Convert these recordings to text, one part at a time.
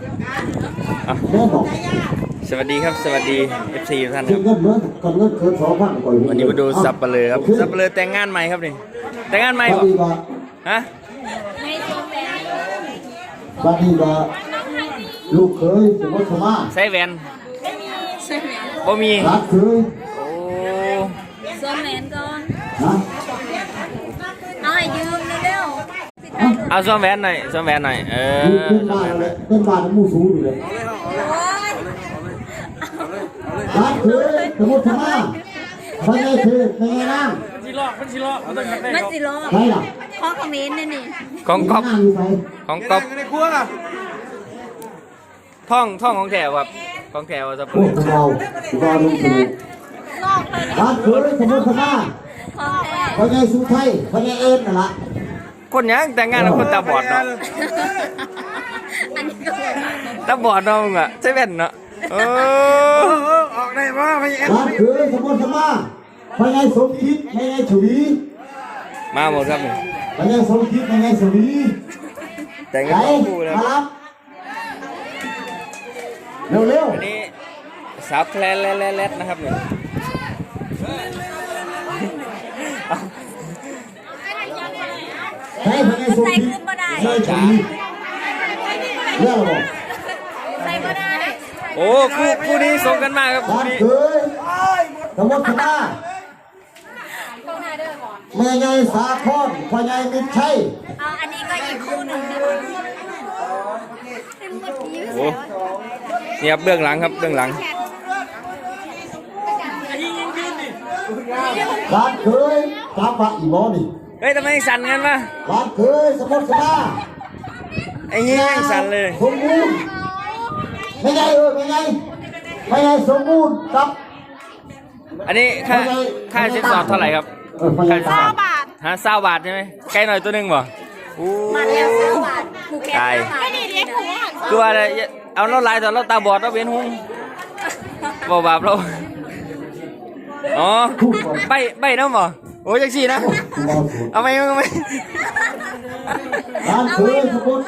สวัสดีครับสวัสดี FC ทุกท่านครับวันนี้มาดูซับเปลือครับซับเปลือแต่งงานใหม่ครับนี่แต่งงานใหม่ป่ะฮะบางทีว่าลูกเคยสมมติสมาใส่แหวนบ่มีรักเคยโอ้สวมแหวนก่อนนะเอาให้ยืมเร็วเอาสวมแหวนหน่อยสวมแหวนหน่อยเป็นบ้านเลยเป็นบ้านมูสูอยู่เลยรักเคยสมมติสมาไม่ไงคือไม่ไงนั่งมันสิลอกมันสิลอกใช่หรอข้อคอมเมนต์นี่ของก๊อฟของก๊อฟท่องของแถวครับของแถวจะพูดเราลุงถูกรักเคยสมมติสมาพอไงสุไทยพอไงเอ็นน่ะละคนยังแต่งงานกับคนตาบอดเนาะตาบอดเนาะมึงอะใช่แว่นเนาะออกได้ป่ะพยายามรักเคยสมมติสมาพอไงสมคิดพอไงฉวีมาหมดครับพอไงสมคิดพอไงฉวีแต่งกันคู่เลยครับเร็วอันนี้สาวแคลนแลนะครับเนี่ยใช่พอไงสมคิดใช่ฉวีเรื่องอะไรใส่ก็ได้โอ้คู่นี้ส่งกันมากครับคู่นี้สมมติว่าเมื่อไงสาคอนพอไงมิตรชัยอันนี้ก็อีกคู่หนึ่งโอ้นี่ครับเบื้องหลังครับเบื้องหลังร้านเคยตาปะอีโมนี่เฮ้ยทำไมสั่นกันวะร้านเคยสมมติว่าไอ้ยี่สั่นเลยสมบูรณ์ไม่ไงไม่ไงสมบูรณ์ครับอันนี้ค่าสินสอดเท่าไหร่ครับค่าสินสอด20 บาทใช่ไหมไกลหน่อยตัวนึงบ่มาแล้ว20 บาทไกลตัวอะไรเอาเราลายตอนเราตาบอดเราเวียนหุ้งบ่บาปเราอ๋อใบน้ำบ่โอ้ยจังสี่นะเอาไหมร้านเคยสมบูรณ์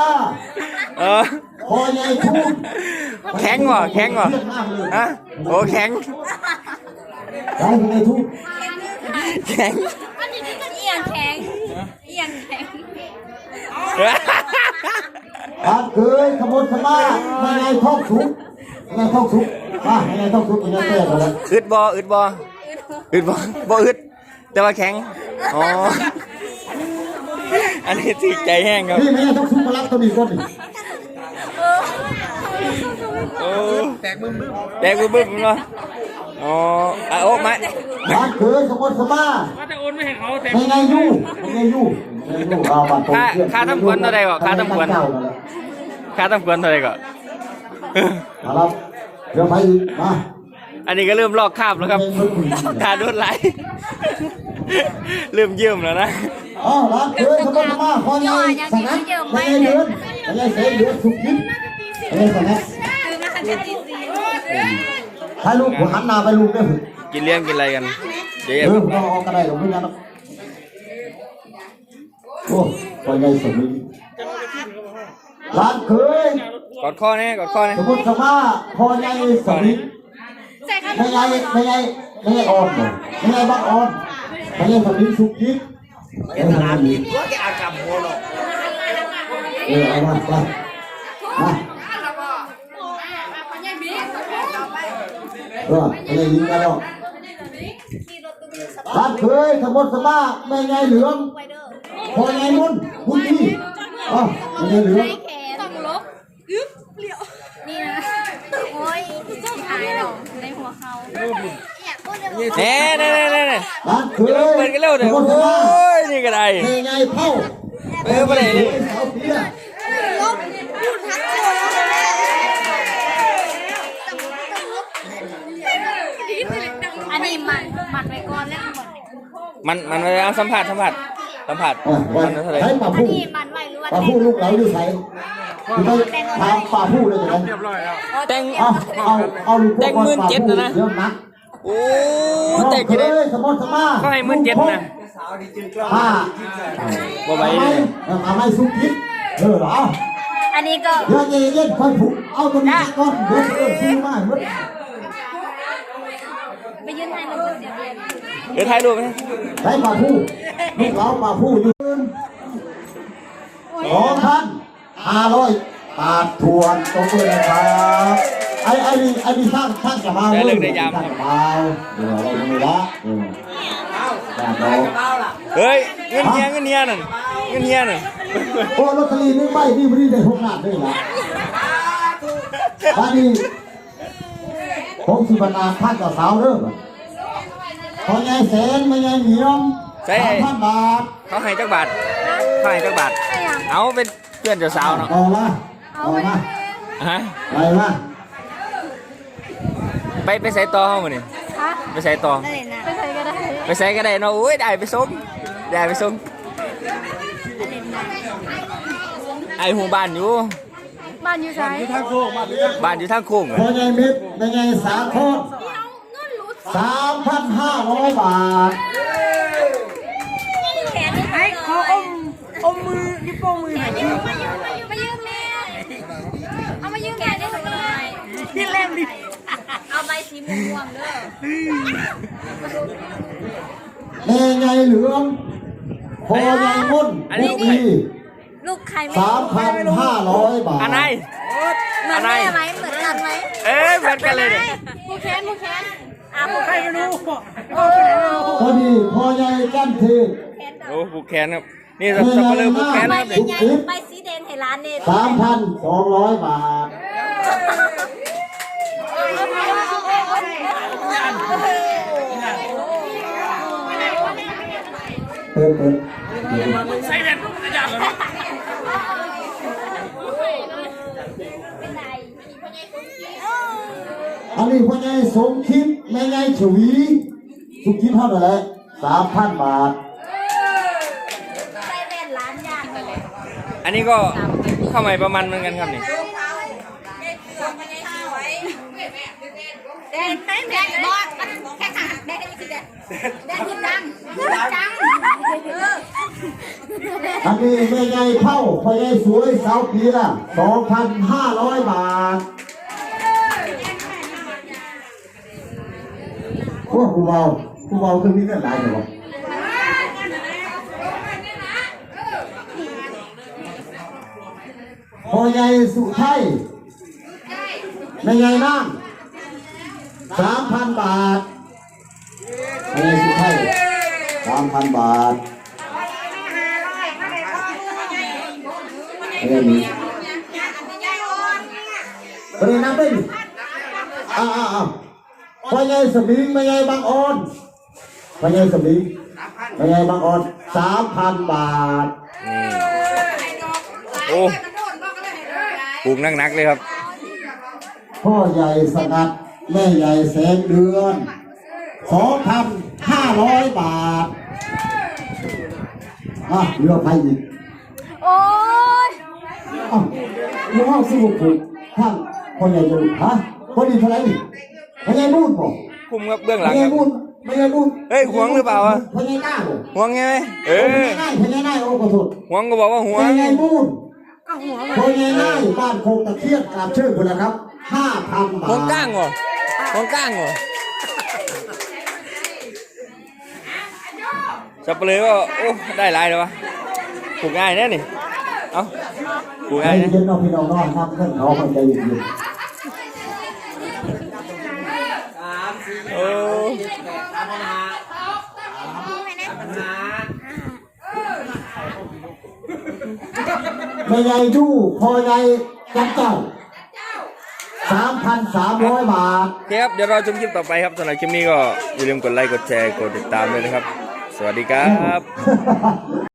พอใหญ่ทุ่งแข็งว่ะฮะโอ้แข็งร้านใหญ่ทุ่งแข็งเอียงแข็งร้านเคยสมบูรณ์ไม่ไงท้องสุกไม่ไงท้องสุกไม่ไงท้องสุกไม่ไงแก่เลยอึดบ่อึดแต่ว่าแข็งอ๋ออันนี้ติดใจแห้งครับนี่ไม่ไงท้องสุกมารับตัวนี้ก่อนดิแตกบึ้มเนาะอ๋อโอ้ไม่ร้านเคยสมบูรณ์จะโอนไม่ให้เขาแต่ไม่ไงยู่ค่าทำขวัญเท่าไรก่อนค่าทำขวัญเท่าไรก่อนครับเดี๋ยวไปมาอันนี้ก็เริ่มลอกคราบแล้วครับขาดไหลเริ่มเยิ่มแล้วนะอ๋อร้านเคยสมบูรณ์พอไงสังนัดไม่ไงเดือนสุกินไม่ไงสังนัดให้ลูกหันหน้าไปลูกด้วยกินเลี้ยงกินอะไรกันเดี๋ยวเราออกกันได้หรือไม่งั้นโอ้พอไงสมิร้านเคยกอดข้อนี่สมมติว่าพอไงสมิไม่ไงอ่อนไม่ไงบักอ่อนไม่ไงสมิสุกินเป็นร้านผิดว่าแกอากับหัวหรอกเอามาอะไรยิงกันหรอร้านเคยสมมติว่าไม่ไงเหลืองพอไงมุ่นพุ่งที่ไม่ไงเหลืองต้องลบนี่นะโอ้ยหายหรอในหัวเขาเน่ร้านเคยเปิดกันเร็วเลยโอ้ยนี่ก็ได้ไม่ไงเผ่าไปไหนนี่อันนี้มันไปก่อนแล้วมันไปเอาสัมผัสใช้ป่าผู้ลูกเราอยู่ใส่ทางป่าผู้เลยนะแต่ง17,000นะโอ้แต่กี่ได้ก็ให้17,000นะบ่ไหวเลยไม่สุกินเหรออันนี้ก็เดี๋ยวเย็นค่อยผูกเอาตัวนี้ก่อนเดี๋ยวซื้อมาหมดไปยืนให้เราเสียเรียนเดี๋ยวถ่ายรูปไหมได้มาผู้ลูกเรามาผู้อยู่2,500 บาททวนตรงเลยนะครับไอ้นี่สร้างจะมาเดี๋ยวเราไม่ละเฮ้ยเงินเฮียนั่นโอ้ลอตเตอรี่1 ใบนี่ไม่ได้6 ล้านด้วยนะบ้านนี้ผมสิบรรดาท่านกับสาวเริ่มพอไงแสนไม่ไงเหนียว3,000 บาทเขาให้จักบาทเอาเป็นเพื่อนเจ้าสาวเนาะต่อมาฮะไปมาไปใส่ต่อเขาหมดนี่ไปใส่ต่อไปใส่ก็ได้เนาะอุ้ยได้ไปส่งไอหูบ้านอยู่ใช่บ้านอยู่ทางโค้งพอไงมิตรไม่ไงสาคร3,500 บาทให้ขออมมือนิ้วโป้งมือหน่อยมายืมแม่เอามายืมแม่ได้ทำไมพี่เล่มดิเอาใบสีม่วงเด้อแม่ไงเหลืองพอไงมุ่นลูกใคร 3,500 บาทอันไหนเหมือนแม่ไหมเหมือนกันไหมเหมือนกันเลยเนี่ยผู้แค้นผู้ใครไม่รู้พอดีพอไงกันทีโอ้ผูกแขนครับนี่สับปะเลอผูกแขนครับใบสีแดงให้ร้านเนต 3,200 บาทเปิดใส่เด็ดกระดาษเลยอันนี้พ่อใหญ่สมคิดแม่ใหญ่ฉวีสุคิดเท่าไหร่ 3,000 บาทใส่แว่นร้านยากเลยอันนี้ก็เข้าใหม่ประมาณเหมือนกันครับนี่แดงบอสแค่ขาแดงนี่คือแดงคือจังอันนี้แม่ใหญ่เท่าพ่อใหญ่สวยสาวปีละ 2,500 บาทโอ้ผู้เบาคือมีเงินหลายเหรอพ่อใหญ่สุไทยแม่ใหญ่นั่ง3,000 บาทพ่อใหญ่สุไทย3,000 บาทประเด็นนับได้ดิพ่อใหญ่สมิงแม่ใหญ่บางออนพ่อใหญ่สมิงแม่ใหญ่บางออน 3,000 บาทโอ้ปลูกนักเลยครับพ่อใหญ่สงัดแม่ใหญ่แสงเดือน 2,500 บาทเรือไฟอีกโอ้ยเรือสู้ผูกท่านพ่อใหญ่จะพ่อดีเท่าไหร่พ่อใหญ่บุญป่ะคุมกับเบื้องหลังครับพ่อใหญ่บุญเฮ้ยหวงหรือเปล่าพ่อใหญ่หน้าหวงไงพ่อใหญ่หน้าโอ้ขอโทษหวงก็บอกว่าหวงพ่อใหญ่บุญพ่อใหญ่หน้าบ้านโคกตะเคียนกราบเชิญคุณนะครับ 5,000 บาทหวงก้างเหรอสับปะเลอก็โอ้ได้หลายเลยวะปลูกง่ายแน่นี่เอ้าปลูกง่ายนะเย็นๆพี่น้องน้อยครับเพื่อนเขาใจเย็นโอ้ไม่ใหญ่ดูพอใหญ่จับเจ้า 3,300 บาทครับเดี๋ยวเราชมคลิปต่อไปครับสำหรับคลิปนี้ก็อย่าลืมกดไลค์กดแชร์กดติดตามด้วยนะครับสวัสดีครับ